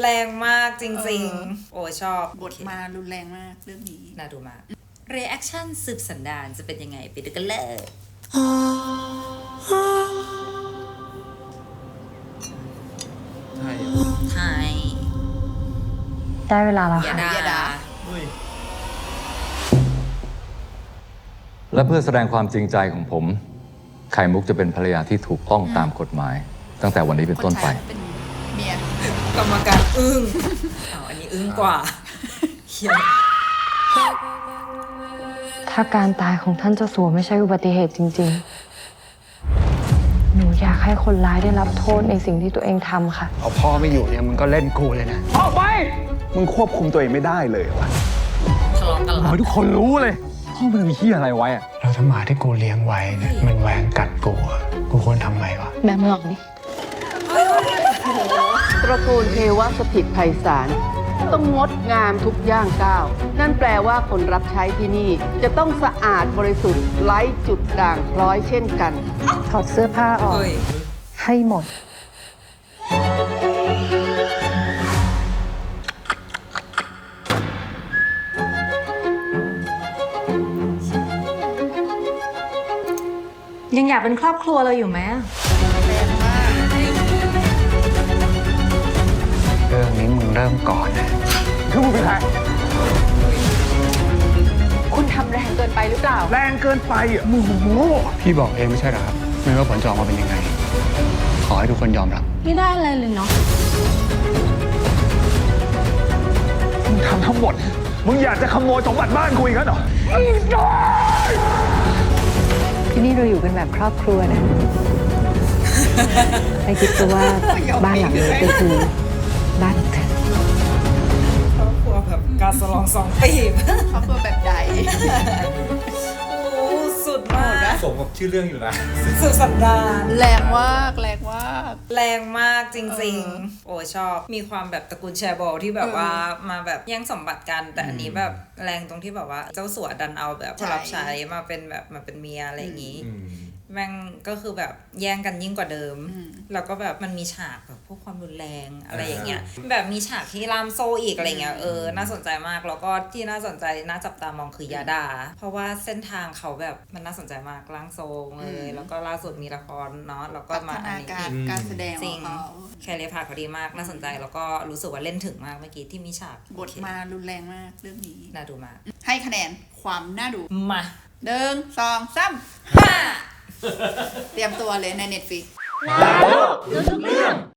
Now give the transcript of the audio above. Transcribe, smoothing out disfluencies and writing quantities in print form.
แรงมากจริงๆโอ้ชอบบทมารุนแรงมากเรื่องนี้น่าดูมากเรีแอคชั่นสืบสันดานจะเป็นยังไงไปดูกันเลยใช่ไทยได้เวลาแล้วอย่าค่ะด่าและเพื่อแสดงความจริงใจของผม ไข่มุกจะเป็นภรรยาที่ถูกต้องตามกฎหมาย ตั้งแต่วันนี้เป็นต้นไปคนใช้เป็นเมียกรรมการอึ้งอันนี้อึ้งกว่าเฮียถ้าการตายของท่านเจ้าสัวไม่ใช่อุบัติเหตุจริงๆ หนูอยากให้คนร้ายได้รับโทษในสิ่งที่ตัวเองทำค่ะเอาพ่อไม่อยู่เนี่ยมึงก็เล่นกูเลยนะออกไปมึงควบคุมตัวเองไม่ได้เลยวะทะเลาะกันขอให้ทุกคนรู้เลยพ่อมันมีที่อะไรไว้อะแล้วถ้าหมาที่กูเลี้ยงไว้เนี่ยมันแหวงกัดกูอะกูควรทำไงวะแม่มึงออกดิตระกูลเทวสถิตไพศาลต้องงดงามทุกย่างก้าว นั่นแปลว่าคนรับใช้ที่นี่ จะต้องสะอาดบริสุทธิ์ไร้จุดด่างพร้อยเช่นกันถอดเสื้อผ้าออกเฮ้ยให้หมดยังอยากเป็นครอบครัวเราอยู่ไหมเรื่องนี้มึงเริ่มก่อนนะคือมึงเป็นใครคุณทำแรงเกินไปหรือเปล่าแรงเกินไปอ่ะมึงโง่พี่บอกเองไม่ใช่เหรอครับ ไม่ว่าผลจะออกมาเป็นยังไง ขอให้ทุกคนยอมรับไม่ได้อะไรเลยเนาะมึงทำทั้งหมดมึงอยากจะขโมยสมบัติบ้านกูอีกแล้วเหรอที่นี่เราอยู่กันแบบครอบครัวนะ ไม่คิดซะว่าบ้านหลังนี้ก็คือบ้านของเธอครอบครัวแบบการสลองสองปีบครอบครัวแบบใดโอ้สุดมากสมกับชื่อเรื่องอยู่นะสุดสัปดาห์แรงมากแรงมากแรงมากจริงๆ โอ้ชอบมีความแบบตระกูลแชร์บอลที่แบบว่ามาแบบแย่งสมบัติกัน แต่อันนี้แบบแรงตรงที่แบบว่าเจ้าสัวดันเอาแบบคนรับใช้มาเป็นแบบมาเป็นเมียอะไรอย่างนี้ แม่งก็คือแบบแย่งกันยิ่งกว่าเดิม แล้วก็แบบมันมีฉากแบบพวกความรุนแรงอะไรอย่างเงี้ย แบบมีฉากที่ล่ามโซ่อีกอะไรเงี้ย น่าสนใจมาก แล้วก็ที่น่าสนใจน่าจับตามองคือยาดา เพราะว่าเส้นทางเขาแบบมันน่าสนใจมากร่างทรงเลยแล้วก็ล่าสุดมีละครเนาะ แล้วก็พัฒมาอันนานี้การอีกการแสดงขจอริงงเขาแคเรพาเขาดีมากน่าสนใจแล้วก็รู้สึกว่าเล่นถึงมากเมื่อกี้ที่มีฉากบทมารุนแรงมากเรื่องนี้น่าดูมากให้คะแนนความน่าดูมา 1 2 3 5เตรียมตัวเลยใน Netflix